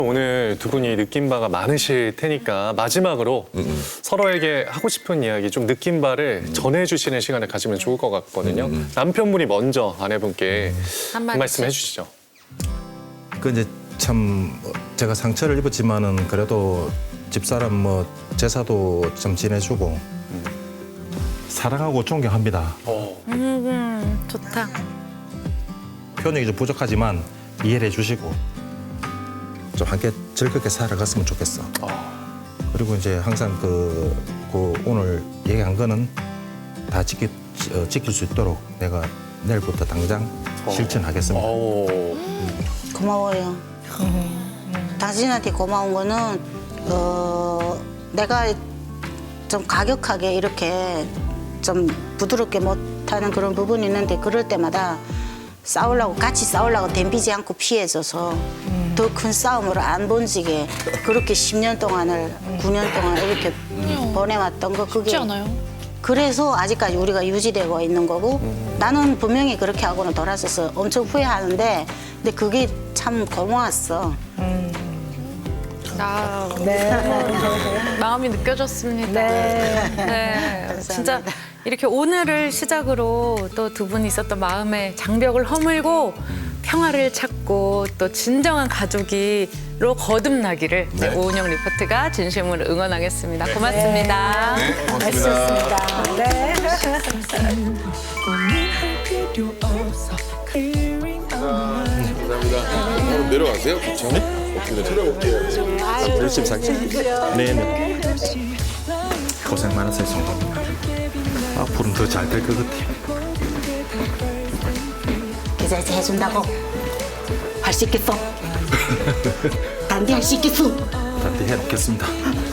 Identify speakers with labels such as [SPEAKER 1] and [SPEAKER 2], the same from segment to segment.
[SPEAKER 1] 오늘 두 분이 느낀 바가 많으실 테니까 마지막으로 서로에게 하고 싶은 이야기, 좀 느낀 바를 전해주시는 시간을 가지면 좋을 것 같거든요. 남편분이 먼저 아내분께 한 말씀 해주시죠.
[SPEAKER 2] 그 이제 참 제가 상처를 입었지만은 그래도 집사람 뭐 제사도 좀 지내주고 사랑하고 존경합니다.
[SPEAKER 3] 좋다.
[SPEAKER 2] 표현이 좀 부족하지만 이해를 해주시고 좀 함께 즐겁게 살아갔으면 좋겠어. 그리고 이제 항상 그 오늘 얘기한 거는 다 지킬 수 있도록 내가 내일부터 당장 실천하겠습니다.
[SPEAKER 4] 고마워요. 당신한테 고마운 거는 내가 좀 가격하게 이렇게 좀 부드럽게 못하는 그런 부분이 있는데 그럴 때마다 같이 싸우려고 덤비지 않고 피해줘서 더 큰 싸움으로 안 번지게 그렇게 10년 동안을 9년 동안 이렇게 보내왔던 거 그게
[SPEAKER 3] 쉽지 않아요.
[SPEAKER 4] 그래서 아직까지 우리가 유지되고 있는 거고 나는 분명히 그렇게 하고는 돌아서서 엄청 후회하는데 근데 그게 참 고마웠어.
[SPEAKER 3] 마음이 느껴졌습니다. 네. 진짜 이렇게 오늘을 시작으로 또 두 분이 있었던 마음의 장벽을 허물고 평화를 찾고 또 진정한 가족이로 거듭나기를 오은영 리포트가 진심으로 응원하겠습니다. 고맙습니다.
[SPEAKER 5] 고맙습니다. 감사합니다. 바로 내려가세요. 그렇죠? 네. 들어볼게요.
[SPEAKER 2] 열심히 살게요. 네네. 고생 많았어요, 성도님. 앞으로는 더 잘 될 것 같아요.
[SPEAKER 4] 계좌 해준다고 할 수 있겠어? 단디 할 수 있겠어?
[SPEAKER 2] 단디 해놓겠습니다.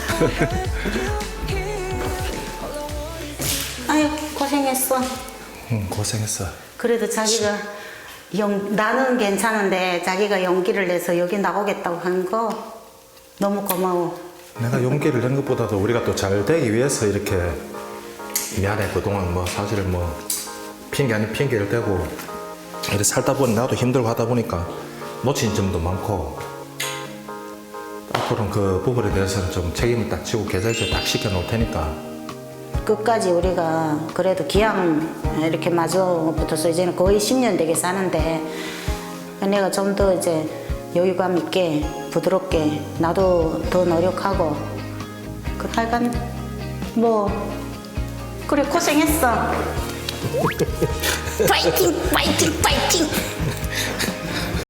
[SPEAKER 4] 아유 고생했어.
[SPEAKER 2] 고생했어.
[SPEAKER 4] 그래도 자기가 나는 괜찮은데 자기가 용기를 내서 여기 나오겠다고 하는 거 너무 고마워.
[SPEAKER 2] 내가 용기를 낸 것보다도 우리가 또 잘 되기 위해서 이렇게 미안해. 그동안 뭐 사실 뭐 핑계 아닌 핑계를 대고 이렇게 살다 보니 나도 힘들고 하다 보니까 놓친 점도 많고 앞으로는 그 부분에 대해서는 좀 책임을 딱 지고 계좌이체 딱 시켜놓을 테니까
[SPEAKER 4] 끝까지 우리가 그래도 기왕 이렇게 마주 붙어서 이제는 거의 10년 되게 사는데 내가 좀 더 이제 여유감 있게 부드럽게 나도 더 노력하고 그 하여간 뭐 그래 고생했어. 파이팅 파이팅 파이팅.